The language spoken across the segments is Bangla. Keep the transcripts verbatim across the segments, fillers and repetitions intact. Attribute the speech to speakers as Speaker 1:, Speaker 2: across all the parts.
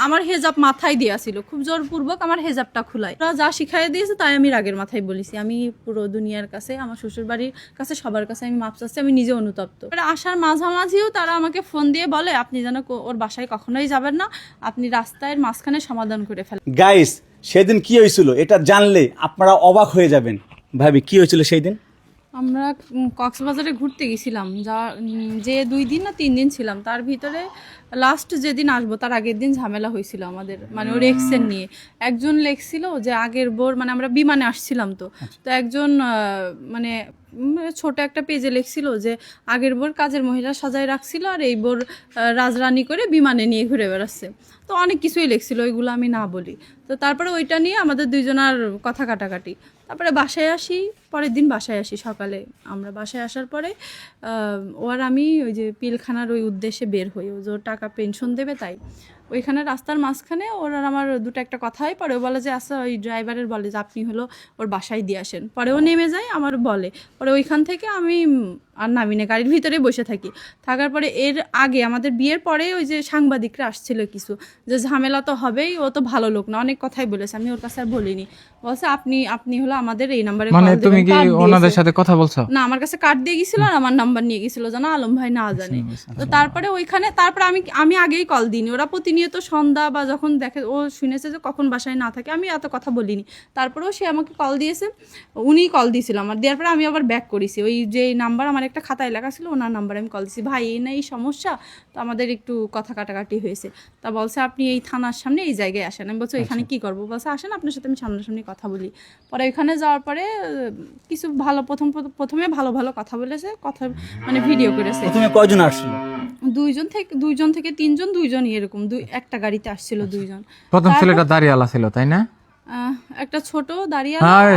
Speaker 1: আমার হেজাব মাথায় দেওয়া ছিল, খুব জোরপূর্বক আমার হেজাবটা খুলাই। ওরা যা শিখাই দিয়েছে তাই আমি রাগের মাথায় বলেছি। আমি পুরো দুনিয়ার কাছে, আমার শ্বশুর বাড়ির কাছে, সবার কাছে আমি মাপ চাচ্ছি, আমি নিজে অনুতপ্ত। আসার মাঝামাঝিও তারা আমাকে ফোন দিয়ে বলে আপনি যেন ওর বাসায় কখনোই যাবেন না, আপনি রাস্তায় মাঝখানে সমাধান করে ফেলেন।
Speaker 2: গাইস, সেদিন কি হয়েছিল এটা জানলে আপনারা অবাক হয়ে যাবেন। ভাবি, কি হয়েছিল সেই দিন?
Speaker 1: আমরা কক্সবাজারে ঘুরতে গেছিলাম, যা যে দুই দিন না তিন দিন ছিলাম, তার ভিতরে লাস্ট যেদিন আসবো তার আগের দিন ঝামেলা হয়েছিল আমাদের, মানে ওর এক্সের নিয়ে। একজন লেখছিল যে আগের বোর, মানে আমরা বিমানে আসছিলাম তো তো একজন মানে ছোট একটা পেজে লিখছিল যে আগের বোর কাজের মহিলা সাজায় রাখছিল আর এই বোর রাজরানি করে বিমানে নিয়ে ঘুরে বেড়াচ্ছে। তো অনেক কিছুই লিখছিল, ওইগুলো আমি না বলি। তো তারপরে ওইটা নিয়ে আমাদের দুইজনার কথা কাটাকাটি। তারপরে বাসায় আসি, পরের দিন বাসায় আসি সকালে। আমরা বাসায় আসার পরে ও আর আমি ওই যে পিলখানার ওই উদ্দেশ্যে বের হই, ও যে ওর টাকা পেনশন দেবে তাই। ওইখানে রাস্তার মাঝখানে ওর আর আমার দুটো একটা কথা হয়। পরে ও বলে যে আচ্ছা, ওই ড্রাইভারের বলে যে আপনি হলো ওর বাসায় দিয়ে আসেন। পরে ও নেমে যায়, আমার বলে। পরে ওইখান থেকে আমি আর নামি না, গাড়ির ভিতরে বসে থাকি। থাকার পরে এর আগে আমাদের বিয়ের পরে ওই যে সাংবাদিকরা আসছিল কিছু, যে ঝামেলা তো হবেই, ও তো ভালো লোক না, অনেক কথাই বলেছে। আমি ওর কাছে আর বলিনি। বলছে আপনি আপনি হলো আমাদের এই নাম্বারে কল
Speaker 3: মানে
Speaker 1: দিবেন।
Speaker 3: তুমি কি ওনাদের সাথে কথা বলছো?
Speaker 1: না, আমার কাছে কার্ড দিয়ে গেছিল আর আমার নাম্বার নিয়ে গেছিল, জানা আলম ভাই না জানে। তো তারপরে ওইখানে তারপরে আমি আমি আগেই কল দিইনি। ওরা প্রতিনিয়ত সন্ধ্যা বা যখন দেখে, ও শুনেছে যে কখন বাসায় না থাকে, আমি এত কথা বলিনি। তারপরেও সে আমাকে কল দিয়েছে, উনিই কল দিয়েছিল আমার। দেওয়ার পরে আমি আবার ব্যাক করেছি, ওই যে নাম্বার আমার একটা খাতায় লেখা ছিল ওনার নাম্বারে আমি কল দিয়েছি। ভাই এই না এই সমস্যা, তো আমাদের একটু কথা কাটাকাটি হয়েছে। তা বলছে আপনি এই থানার সামনে এই জায়গায় আসেন। আমি বলছি এখানে কি করবো? বলছে আসেন, আপনার সাথে আমি সামনাসামনি কথা বলি। পরে ওইখানে যাওয়ার পরে কিছু ভালো প্রথম প্রথমে ভালো ভালো কথা বলেছে, কথা মানে ভিডিও করেছে।
Speaker 2: প্রথমে কয়জন আসছিল?
Speaker 1: দুইজন থেকে দুইজন থেকে তিনজন, দুইজনই এরকম, দুই একটা গাড়িতে আসছিল দুইজন।
Speaker 3: প্রথম ছেলেটা দাঁড়িয়ালা ছিল তাই না?
Speaker 1: একটা ছোট দাঁড়িয়ে,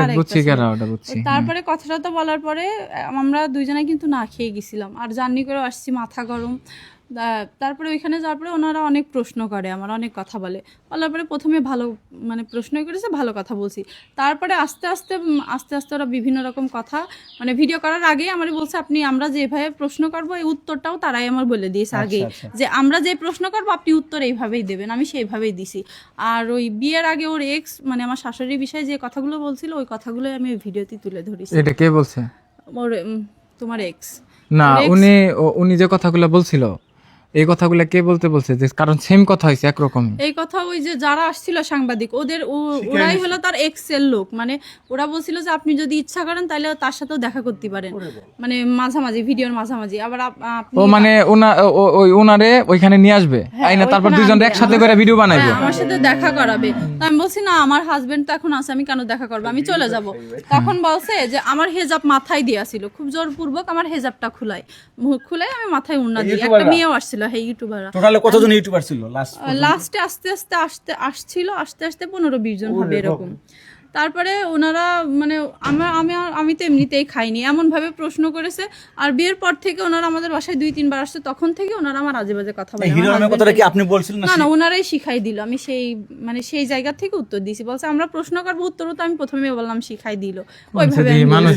Speaker 1: তারপরে কথাটা তো বলার পরে আমরা দুইজনে কিন্তু না খেয়ে গেছিলাম আর জার্নি করে আসছি, মাথা গরম। তারপরে ওইখানে যাওয়ার পরে ওনারা অনেক প্রশ্ন করে, আমার অনেক কথা বলে। বলার পরে প্রথমে ভালো মানে প্রশ্নই করেছে, ভালো কথা বলছি। তারপরে আস্তে আস্তে আস্তে আস্তে ওরা বিভিন্ন রকম কথা, মানে ভিডিও করার আগেই আমার বলছে আপনি আমরা যেভাবে প্রশ্ন করবো এই উত্তরটাও তারাই আমার বলে দিয়েছে আগেই, যে আমরা যে প্রশ্ন করবো আপনি উত্তর এইভাবেই দেবেন। আমি সেইভাবেই দিছি। আর ওই বিয়ের আগে ওর এক্স, মানে আমার শাশুড়ির বিষয়ে যে কথাগুলো বলছিল ওই কথাগুলোই আমি ওই ভিডিওতে তুলে ধরেছি।
Speaker 3: এটা কে বলছে?
Speaker 1: ওর তোমার এক্স
Speaker 3: না, উনি উনি যে কথাগুলো বলছিল এই কথাগুলো কে বলতে বলছে? যে কারণ সেম কথা হয়েছে একরকম
Speaker 1: এই কথা ওই যে যারা আসছিল সাংবাদিক, ওদের ওরাই হলো তার এক্স এর লোক। মানে ওরা বলছিল যে আপনি যদি ইচ্ছা করেন তাহলে তার সাথেও দেখা করতে পারেন, মানে মাঝামাঝি ভিডিওর মাঝামাঝি। আবার
Speaker 3: ও মানে ওনা ওই ওনারে ওইখানে নিয়ে আসবে, আইনা তারপর দুইজন একসাথে করে ভিডিও বানাইবে,
Speaker 1: আমার সাথে দেখা করাবে। তো আমি বলছি না, আমার হাজবেন্ড তো এখন আছে, আমি কেন দেখা করবো, আমি চলে যাব। তখন বলছে যে আমার হেজাব মাথায় দেওয়া ছিল, খুব জোরপূর্বক আমার হেজাবটা খুলাই খুলাই আমি মাথায় উন্না দিই। একটা মেয়েও আসছিল, হ্যাঁ ইউটিউবাররা।
Speaker 2: টোটালে কতজন ইউটিউবার ছিল লাস্ট?
Speaker 1: লাস্টে আস্তে আস্তে আসতে আসছিল আস্তে আস্তে পনেরো বিশ জন হবে এরকম। তারপরে ওনারা মানে আমার আমি আমি তো এমনিতেই খাইনি, এমনভাবে প্রশ্ন করেছে। আর বিয়ের পর থেকে ওনারা আমাদের বাসায় দুই তিনবার আসছে, তখন থেকে ওনারা আমার আজে বাজে কথা বলে। না না, ওনারাই শিখাই দিল। আমি সেই মানে সেই জায়গা থেকে উত্তর দিয়েছি। বলছে আমরা প্রশ্ন করবো, উত্তরও তো আমি প্রথমে বললাম শিখাই দিল ওইভাবে।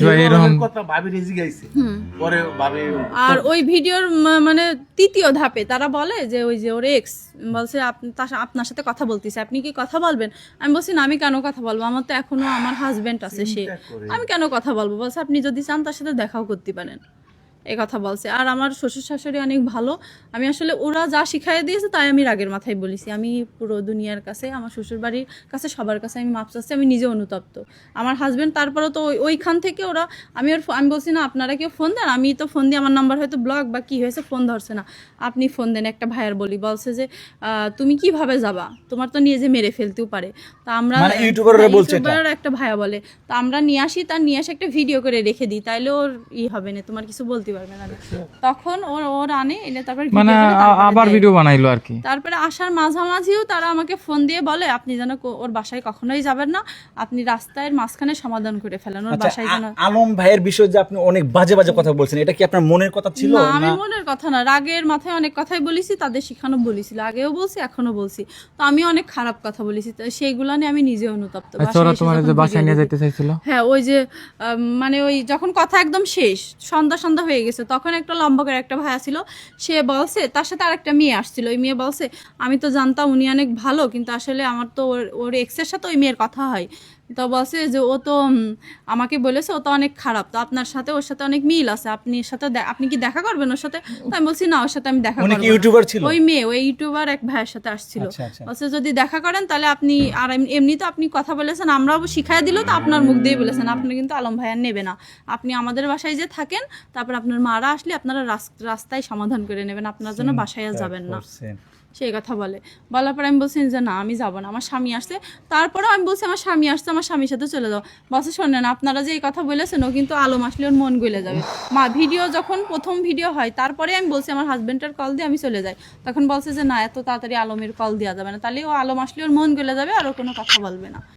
Speaker 1: আর ওই ভিডিওর মানে তৃতীয় ধাপে তারা বলে যে ওই যে ওর এক্স বলছে আপনার সাথে কথা বলতেছে, আপনি কি কথা বলবেন? আমি বলছি না, আমি কেন কথা বলবো, আমার তো এখনো আমার হাজবেন্ড আছে, সে আমি কেন কথা বলবো? বলছে আপনি যদি চান তার সাথে দেখাও করতে পারেন, এই কথা বলছে। আর আমার শ্বশুর শাশুড়ি অনেক ভালো। আমি আসলে ওরা যা শিখাই দিয়েছে তাই আমি রাগের মাথায় বলেছি। আমি পুরো দুনিয়ার কাছে, আমার শ্বশুর বাড়ির কাছে, সবার কাছে আমি মাপ চাচ্ছি, আমি নিজে অনুতপ্ত। আমার হাজবেন্ড তারপরেও তো ওইখান থেকে ওরা, আমি ওর আমি বলছি না আপনারা কেউ ফোন দেন, আমি তো ফোন দিয়ে আমার নাম্বার হয়তো ব্লক বা কি হয়েছে ফোন ধরছে না, আপনি ফোন দেন। একটা ভাইয়ার বলি, বলছে যে তুমি কিভাবে যাবা, তোমার তো নিয়ে যে মেরে ফেলতেও পারে। তা আমরা ইউটিউবার একটা ভাইয়া বলে, তা আমরা নিয়ে আসি, তার নিয়ে আসে একটা ভিডিও করে রেখে দিই, তাইলে ওর ই হবে না, তোমার কিছু বলতে পারবে না। তখন ওর ওর আনে এনে তারপর
Speaker 3: মানে আবার ভিডিও বানাইলো আর কি।
Speaker 1: তারপরে আসার মাঝামাঝিও তারা আমাকে ফোন দিয়ে বলে আপনি যেন ওর বাসায় কখনোই যাবেন না, আপনি রাস্তায় মাঝখানে সমাধান করে ফেলেন, ওর বাসায় যেন।
Speaker 2: আলম ভাইয়ের বিষয়ে যে আপনি অনেক বাজে বাজে কথা বলছেন, এটা কি আপনার মনের কথা ছিল?
Speaker 1: না, আমি মনের কথা না, রাগের মাথায় অনেক কথাই বলেছি, তাদের শিখানো বলেছিল, আগেও বলছি এখনো বলছি। তো আমি অনেক খারাপ কথা বলেছি, সেইগুলা নিয়ে আমি নিজে অনুতপ্ত।
Speaker 3: বাসায় নিয়ে যেতে চাইছিল,
Speaker 1: হ্যাঁ ওই যে মানে ওই যখন কথা একদম শেষ, সন্ধ্যা সন্ধ্যা হয়ে হয়ে গেছে। তখন একটা লম্বা করে একটা ভাইয়া ছিল, সে বলছে, তার সাথে আর একটা মেয়ে আসছিল, ওই মেয়ে বলছে আমি তো জানতাম উনি অনেক ভালো, কিন্তু আসলে আমার তো ওর ওর এক্সের সাথে ওই মেয়ের কথা হয়, তো বলছে যে ও তো উম, আমাকে বলেছে ও তো অনেক খারাপ, তো আপনার সাথে ওর সাথে অনেক মিল আছে, আপনি এর সাথে দে- আপনি কি দেখা করবেন ওর সাথে? তো আমি বলছি না, ওর সাথে আমি দেখা
Speaker 2: উনি
Speaker 1: করবো
Speaker 2: কি
Speaker 1: না।
Speaker 2: ইউটিউবার ছিল?
Speaker 1: ওই মেয়ে ওই ইউটিউবার এক ভাইয়ের সাথে আসছিল,
Speaker 2: আচ্ছা, আচ্ছা।
Speaker 1: বলছে যদি দেখা করেন তাহলে আপনি, আর এম- এমনি তো আপনি কথা বলেছেন, আমরাও শিখাই দিল তো আপনার মুখ দিয়ে বলেছেন, আপনি কিন্তু আলম ভাইয়া নেবে না, আপনি আমাদের বাসায় যে থাকেন, তারপর আপনার মারা আসলে আপনারা রাস- রাস্তায় সমাধান করে নেবেন, আপনার জন্য বাসায় আর যাবেন না,
Speaker 2: করছেন।
Speaker 1: সেই কথা বলে। বলার পর আমি বলছি যে না আমি যাবো না, আমার স্বামী আসছে। তারপরেও আমি বলছি আমার স্বামী আসছে, আমার স্বামীর সাথে চলে যাও। বলছে শোনেন, আপনারা যে এই কথা বলেছেন ও কিন্তু আলম আসলে ওর মন গলে যাবে। মা ভিডিও যখন প্রথম ভিডিও হয় তারপরে আমি বলছি আমার হাজবেন্ডের কল দিয়ে আমি চলে যাই, তখন বলছে যে না এত তাড়াতাড়ি আলমের কল দেওয়া যাবে না, তাহলে ও আলম আসলে ওর মন গলে যাবে আর ও কোনো কথা বলবে না।